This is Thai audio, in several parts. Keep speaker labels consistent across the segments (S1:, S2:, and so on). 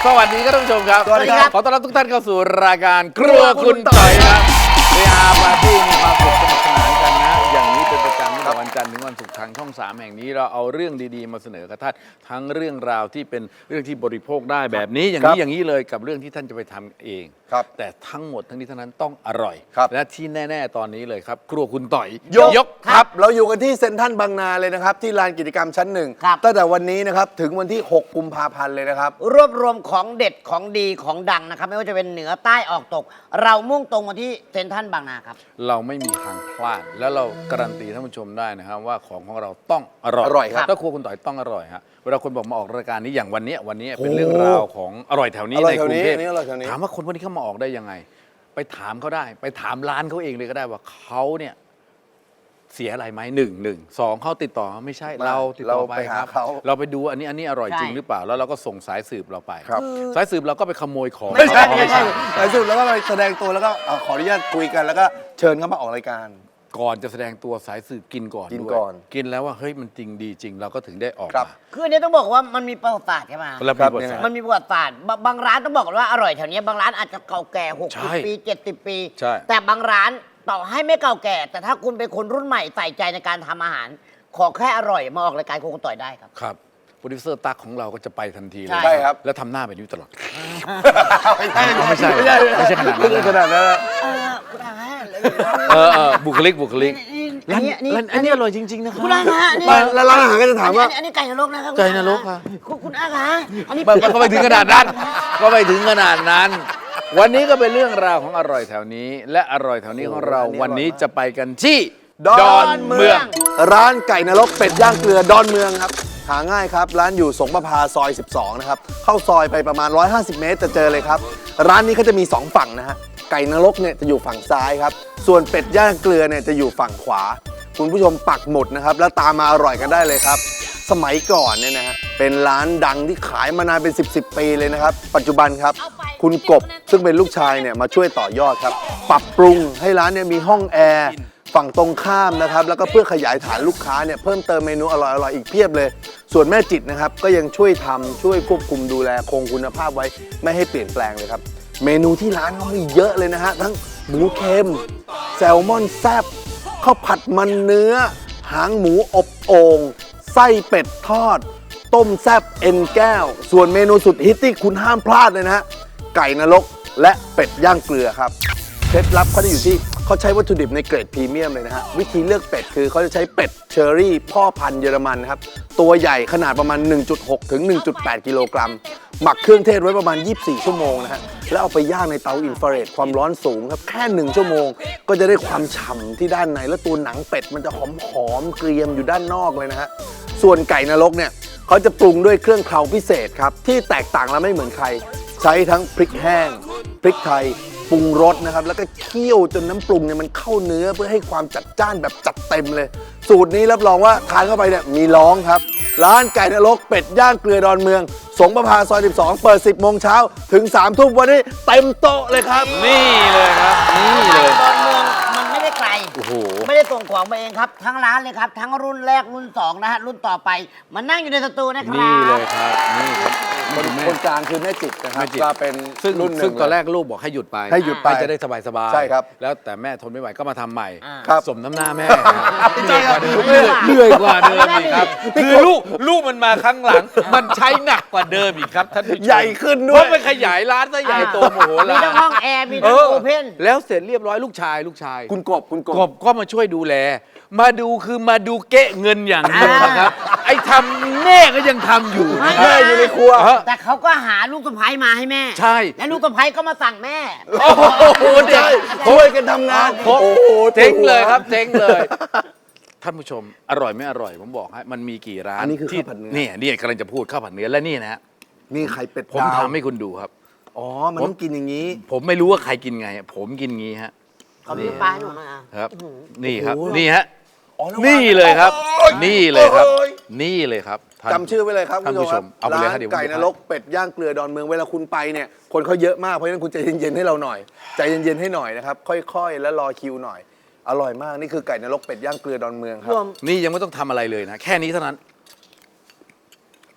S1: สวัสดีครับท่านผู้ชมครับ
S2: สวัสดีครับ
S1: ขอต้อนรับทุกท่านเข้าสู่รายการครัวคุณต่อยครับเรียอาปาร์ตี้มีความสุขสนุกสนานกันนะอย่างนี้เป็นประจำตั้งแต่วันจันทร์ถึงวันศุกร์ทางช่อง 3แห่งนี้เราเอาเรื่องดีๆมาเสนอกับท่านทั้งเรื่องราวที่เป็นเรื่องที่บริโภคได้แบบนี้อย่างนี้เลยกับเรื่องที่ท่านจะไปทำเอง
S2: ครับ
S1: แต่ทั้งหมดทั้งนี้ทั้งนั้นต้องอร่อย
S2: ครับ
S1: และที่แน่ๆตอนนี้เลยครับครัวคุณต่อย
S2: ยกครับเราอยู่กันที่เซ็นทรัลบางนาเลยนะครับที่ลานกิจกรรมชั้นหนึ่ง
S3: ครับ
S2: ตั้งแต่วันนี้นะครับถึงวันที่ 6 กุมภาพันธ์เลยนะครับ
S3: รวบรวมของเด็ดของดีของดังนะครับ ไม่ว่าจะเป็นเหนือใต้ออกตก เรามุ่งตรงมาที่เซ็นทรัลบางนาครับ
S1: เราไม่มีทางพลาด แล้วเราการันตีท่านผู้ชมได้นะครับว่าของเราต้องอร่อย
S2: อร่อยครับ
S1: ถ้าครัวคุณต่อยต้องอร่อยฮะเวลาคนบอกมาออกรายการนี้อย่างวันนี้เป็นเรื่องราวของอร่อยแถวนี้
S2: อร่อย
S1: ในกรุงเทพ
S2: แถวนี้อร่อยแถวนี้
S1: ถามว่าคนพวกนี้เขามาออกได้ยังไง ไปถามเขาได้ไปถามร้านเขาเองเลยก็ได้ว่าเขาเนี่ยเสียอะไรไหม1 2เขาติดต่อไม่ใช่เราติดต่อไปครับ
S2: เขา
S1: เราไปดูอันนี้อร่อยจริง
S3: ใช่
S1: หรือเปล่าแล้วเราก็ส่งสายสืบเราไป
S2: ครับ
S1: สายสืบเราก็ไปขโมยของ
S2: ไม่ใช่
S1: เขา
S2: ไม่ใช่ในสุดแล้วก็ไปแสดงตัวแล้วก็ขออนุญาตคุยกันแล้วก็เชิญเขามาออกรายการ
S1: ก่อนจะแสดงตัวสายสืบกินก่อน
S2: กิน
S1: ด้วย
S2: ก่อน
S1: กินแล้วว่าเฮ้ยมันจริงดีจริงเราก็ถึงได้ออก
S2: ครับ
S1: มา
S3: คืออันนี้ต้องบอกว่ามันมีประวัติศาสตร์ใช่ไหม
S1: แล้ว
S2: ครับ
S1: มีบทสาร
S3: มันมีประวัติศาสตร์บางร้านต้องบอกก่อนว่าอร่อยแถวนี้บางร้านอาจจะเก่าแก่
S1: ใช่
S3: 60 ปี 70 ปี
S1: ใช่
S3: แต่บางร้านต่อให้ไม่เก่าแก่ แต่ถ้าคุณเป็นคนรุ่นใหม่ใส่ใจในการทำอาหาร ขอแค่อร่อยมาออกรายการครัวคุณต่อยได้ครับ
S1: ครับโปรดิวเซอร์ตั๊กของเราก็จะไปทันทีเลย
S3: ใช่
S2: ใช่ครับ
S1: แล้วทำหน้าแบบนี้ตลอด
S2: ไม่ใช่
S1: ไม่ใช่ขนาดนั้น
S2: ไม่ใช่ขนาดนั้นนะ
S3: คุณอาฮะ
S1: บุคลิก
S3: อันนี้
S1: อันนี้อร่อยจริงๆนะครับ
S3: คุณอาฮะนี่
S2: แล้วร้านอาหารก็จะถามว่า
S3: อันนี้ไก่นรกนะครับ
S1: ไก่นรกค่ะ
S3: คุณอาคะอันนี้
S1: ก็ไปถึงขนาดนั้น ก็ไปถึงขนาดนั้น วันนี้ก็เป็นเรื่องราวของอร่อยแถวนี้ และอร่อยแถวนี้ของเรา
S2: โอ้โหอันนี้
S1: วันนี้
S2: อร่อยมาก
S1: จะไปกันที่
S2: ดอนเมือง ร้านไก่นรกเป็ดย่างเกลือดอนเมืองครับหาง่ายครับ ร้านอยู่สงประภาซอย 12 นะครับ เข้าซอยไปประมาณ 150 เมตรจะเจอเลยครับ ร้านนี้เขาจะมี 2 ฝั่งนะฮะ ไก่นรกเนี่ยจะอยู่ฝั่งซ้ายครับ ส่วนเป็ดย่างเกลือเนี่ยจะอยู่ฝั่งขวา คุณผู้ชมปักหมุดนะครับ แล้วตามมาอร่อยกันได้เลยครับ สมัยก่อนเนี่ยนะฮะ เป็นร้านดังที่ขายมานานเป็น 10 ปีเลยนะครับ ปัจจุบันครับ คุณกบซึ่งเป็นลูกชายเนี่ยมาช่วยต่อยอดครับ ปรับปรุงให้ร้านเนี่ยมีห้องแอร์ ฝั่งตรงข้ามนะครับแล้วก็เพื่อขยายฐานลูกค้าเนี่ยเพิ่มเติมเมนูอร่อยๆอีกเพียบเลย ส่วนแม่จิตนะครับก็ยังช่วยทำช่วยควบคุมดูแลคงคุณภาพไว้ไม่ให้เปลี่ยนแปลงเลยครับ เมนูที่ร้านเขามีเยอะเลยนะฮะทั้งหมูเค็มแซลมอนแซบข้าวผัดมันเนื้อ หางหมูอบโอ่งไส้เป็ดทอด ต้มแซบเอ็นแก้ว ส่วนเมนูสุดฮิตที่คุณห้ามพลาดเลยนะฮะไก่นรกและเป็ดย่างเกลือครับ เคล็ดลับเขาจะอยู่ที่เขาใช้วัตถุดิบในเกรดพรีเมียมเลยนะฮะวิธีเลือกเป็ดคือเขาจะใช้เป็ดเชอรี่พ่อพันธุ์เยอรมันนะครับตัวใหญ่ขนาดประมาณ 1.6 ถึง 1.8 กิโลกรัมหมักเครื่องเทศไว้ประมาณ 24 ชั่วโมงนะฮะแล้วเอาไปย่างในเตาอินฟราเรดความร้อนสูงครับแค่ 1 ชั่วโมง ก็จะได้ความฉ่ำที่ด้านในแล้วตัวหนังเป็ดมันจะหอมๆเกรียมอยู่ด้านนอกเลยนะฮะส่วนไก่นรกเนี่ยเขาจะปรุงด้วยเครื่องเคราพิเศษครับที่แตกต่างและไม่เหมือนใคร ใช้ทั้งพริกแห้งพริกไทยปรุงรสนะครับแล้วก็เคี่ยวจนน้ำปรุงเนี่ยมันเข้าเนื้อเพื่อให้ความจัดจ้านแบบจัดเต็มเลย สูตรนี้รับรองว่าทานเข้าไปเนี่ยมีร้องครับ ร้านไก่นรกเป็ดย่างเกลือดอนเมือง สงประภาซอย 12 เปิด 10 โมงเช้าถึง 3 ทุ่มวันนี้เต็มโต๊ะเลยครับ
S1: นี่เลยครับนี่เลย
S3: ดอนเมืองมันไม่ได้ไกล
S1: โอ้โห
S3: ไม่ได้ส่งของมาเองครับ ทั้งร้านเลยครับ ทั้งรุ่นแรกรุ่น2นะฮะรุ่นต่อไปมันนั่งอยู่ในสตูนะครับ
S1: นี่เลยครับนี่ครับ
S2: คนกลางคือแม่จิตนะครับ
S1: แม่จิต
S2: ก็เป็น
S1: ซึ่ง
S2: รุ่นหนึ่ง
S1: ซึ่งตอนแรกลูกบอกให้หยุดไป
S2: ให้หยุดไป
S1: จะได้สบายๆ
S2: ใช่ครับ
S1: แล้วแต่แม่ทนไม่ไหวก็มาทำใหม่
S2: ครับ
S1: สมน้ำหน้าแม่
S2: ใช่ครับ
S1: เหนื่อยกว่าเดิมอีกครับคือลูกมันมาครั้งหลัง มันใช้หนักกว่าเดิมอีกครับท่านผู้ชม
S2: ใหญ่ขึ้น
S1: เพ
S2: ด้วย
S1: ราะมันขยายร้านซะใหญ่โตโมโห
S3: มี
S1: ลา
S3: ทั้งห้องแอร์มี
S1: เอ
S3: ทั้ง
S1: อ
S3: โอเพน
S1: แล้วเสร็จเรียบร้อยลูกชาย
S2: คุณกบ
S1: กบก็มาช่วยดูแล มาดูคือมาดูเกะเงินอย่างเดียวนะครับ ไอ้ทำแม่ก็ยังทำอยู่นะค
S2: แม่
S1: รับ
S2: อยู่ในครัว
S3: แต่เขาก็หาลูกสะใภ้มาให้แม่
S1: ใช่
S3: และลูกสะใภ้ก็มาสั่งแม่
S1: โอ้โหเด็ก
S2: ช่วยกันทำงาน
S1: ครบ
S2: โอ้โห
S1: เจ๊งเลยครับเจ๊งเลย ท่านผู้ชมอร่อยไม่อร่อยผมบอกให้มันมีกี่ร้าน
S2: อันนี้คือ
S1: ที่
S2: ข้าวผัดเนื้อ
S1: เนี่ยกำลังจะพูดข้าวผัดเนื้อและนี่นะฮะ
S2: นี่ไข่เป็ด
S1: ผม
S2: ดาว
S1: ทำให้คุณดูครับ
S2: อ๋อ มันต้องกินอย่างนี้
S1: ผมไม่รู้ว่าใครกินไง ผมกินงี้ฮะ
S3: เขามีปลาให้หนูมา
S1: ครับ นี่ครับ
S2: โอ้โห
S1: นี่ฮะ
S2: อ๋อระวัง
S1: นี่เลยครับ
S2: โอ้ย
S1: นี่เลยครับ
S2: โอ้ย
S1: นี่เลยครับท่าน
S2: จำชื่อไว้เลยครับ
S1: ท่านผู้ชมเอาไปเลย
S2: ร้า
S1: ครับ
S2: น
S1: เดี๋ยวผม
S2: ไก่นรกเป็ดย่างเกลือดอนเมืองเวลาคุณไปเนี่ยคนเขาเยอะมากเพราะฉะนั้นคุณใจเย็นๆให้เราหน่อยใจเย็นๆให้หน่อยนะครับค่อยๆ แล้วรอคิวหน่อย อร่อยมากนี่คือไก่นรกเป็ดย่างเกลือดอนเมืองครั
S3: ร
S2: บ
S3: วม
S1: นี่ยังไม่ต้องทำอะไรเลยนะ แค่นี้เท่านั้น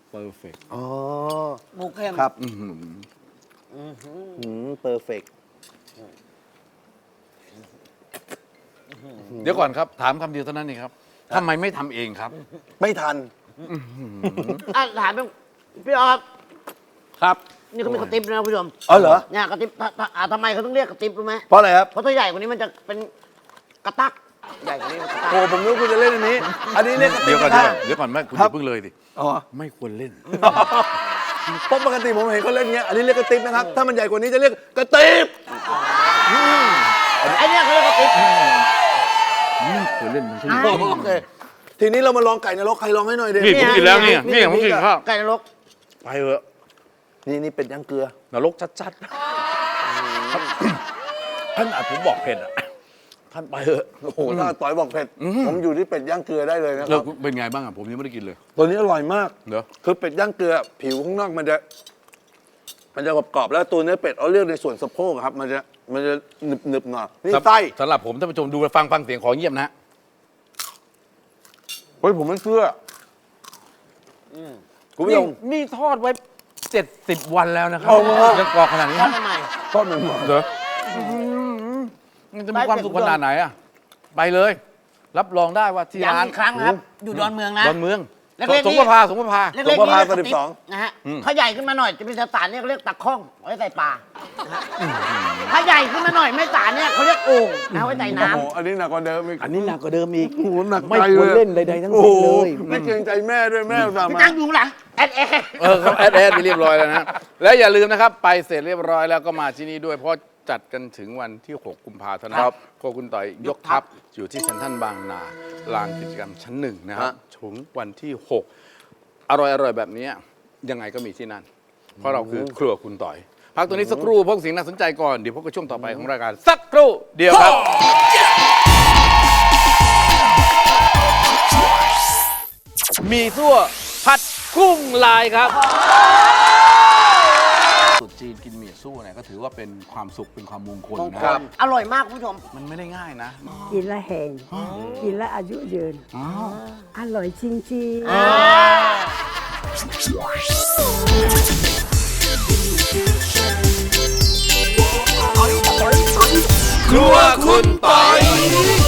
S1: เพอร์เฟกต์
S2: อ๋อ
S3: หมูเค็ม
S2: ครับ
S1: อื้อหือ
S2: เพอร์เฟก
S1: เดี๋ยวก่อนครับ ถามคำเดียวเท่านั้นเองครับทำไมไม่ทำเองครับ
S2: ไม่ทัน
S3: อ่ะถามพี่ออฟ
S1: ครับ
S3: นี่เขามีกระติบนะคุณผู้ชม
S2: อ๋อเหรอ
S3: เนี่ยกระติบทำไมเขาต้องเรียกกระติบรู้ไหม
S2: เพราะอะไรครับ
S3: เพราะถ้าใหญ่กว่านี้มันจะเป็นกระตักใหญ่กว่านี้มันกระตัก
S2: โอ้ผมนึกว่าคุณจะเล่นอันนี้ อันนี้เรียกกระติ
S1: เดี๋
S2: บ
S1: ยวก่อน
S2: กระทะ
S1: เดี๋ยวก่อนไม่คุณอ
S2: ครับ
S1: ย่าเพิ่งเลยสิ
S2: อ๋อ
S1: ไม่ควรเล่น
S2: เพราะปกติผมเห็นเขาเล่นเงี้ย อันนี้เรียกกระติบนะครับ ถ้ามันใหญ่กว่านี้จะเรียกกระติบ
S3: ไอ้เนี่ยเขาเรียกกระติบ
S1: ไม่ควรเล่นมันใช่ไหม
S2: โอเค ทีนี้เรามาลองไก่นรกใครลองให้หน่อยเด็
S1: นี่ผมกินแล้วเนี่ยนี่ผมกินข้าว
S3: ไก่นรก
S1: ไปเถอะ
S2: นี่เป็ดย่างเกลือ
S1: นรกชัดๆท่านอาจผมบอกเผ็ดอ่ะท่านไปเถอะ
S2: โอ้โหถ้าต่อยบอกเผ็ด ผมอยู่ที่เป็ดย่างเกลือได้เลยนะค
S1: แล้
S2: รั
S1: ว
S2: บ
S1: เป็นไงบ้างอ่ะผมยังไม่ได้กินเลย
S2: ตัวนี้อร่อยมาก
S1: เดี๋ยว
S2: คือเป็ดย่างเกลือ ผิวข้างนอกมันจะกรอบๆแล้วตัวเนื้อเป็ดเอาเลือกในส่วนสะโพกครับ มันจะหนึบๆหน่อยนี่ไส้
S1: สำหรับผมท่านผู้ชมดูฟังเสียงขอเงียบนะฮะ
S2: เฮ้ยผมไม่เชื่ออคุณผู้ชม
S1: นี่ทอดไว้70 วันแล้วนะครับ
S2: เอามา
S1: ยังกรอบขนาดนี้
S3: ทอด
S1: นะ
S3: ใหม่
S2: ทอดมันหมด
S1: เดี๋ยวมันจะมีความสุขขนาดไหนอ่ะไปเลย รับรองได้ว่าที่
S3: ย้ำ
S1: ร้าน
S3: อีกครั้งนะครับ อยู่ดอนเมืองนะ
S1: ดอนเมือง
S3: เล็กๆ
S1: สงประภาสงประภา
S3: เล็กๆนี่เรียกกระติบ
S2: 12
S3: นะฮะถ้าใหญ่ขึ้นมาหน่อยจะเป็นสารเนี่ยเขาเรียกตะข้องเอาไว้ใส่ปลานะฮะถ้าใหญ่ขึ้นมาหน่อยไม่สารเนี่ยเขาเรียกโอ่งเอาไว้ใส่
S2: โอ้
S3: น้
S2: โหอันนี้หนักกว่าเดิมอีก
S1: อันนี้หนักกว่าเดิมอีก
S2: โอ้โหหนัก
S1: ไม่
S2: ใจ
S1: ควร
S2: เลย
S1: เล่นใดๆทั้ง
S2: โอ้
S1: สิ้น
S2: โห
S1: เลย
S2: ไม่เกรงใจแม่ด้วยแม่อุตส่าห์
S3: ำพี่
S2: มา
S3: ตั้งอยู่ข้างหลังแอด
S1: เขาแอดไปเรียบร้อยแล้วนะ และอย่าลืมนะครับ ไปเสร็จเรียบร้อยแล้วก็มาที่นี่ด้วยเพราะจัดกันถึงวันที่ 6 กุมภาพันธ์นะครับโคคุณต่อยยกทัพอยู่ที่เซ็นทรัลบางนาลานกิจกรรมชั้นหนึ่งนะครับถึงวันที่ 6 อร่อยแบบนี้ยังไงก็มีที่นั่น เพราะเราคือครัวคุณต่อย พักตัวนี้สักครู่พวกสิ่งน่าสนใจก่อน เดี๋ยวพบกับช่วงต่อไปของรายการสักครู่เดียวครับ มีซั่วผัดกุ้งลายครับสุดจีนกินหมี่ซั่วเนี่ยก็ถือว่าเป็นความสุขเป็นความมงคลนะครับ
S3: อร่อยมากคุณผู้ชม
S1: มันไม่ได้ง่ายนะ
S4: กินแล้วแห้งกินแล้วอายุยืน
S1: อ้าว
S4: อร่อยจริงๆ
S1: ครัวคุณปอย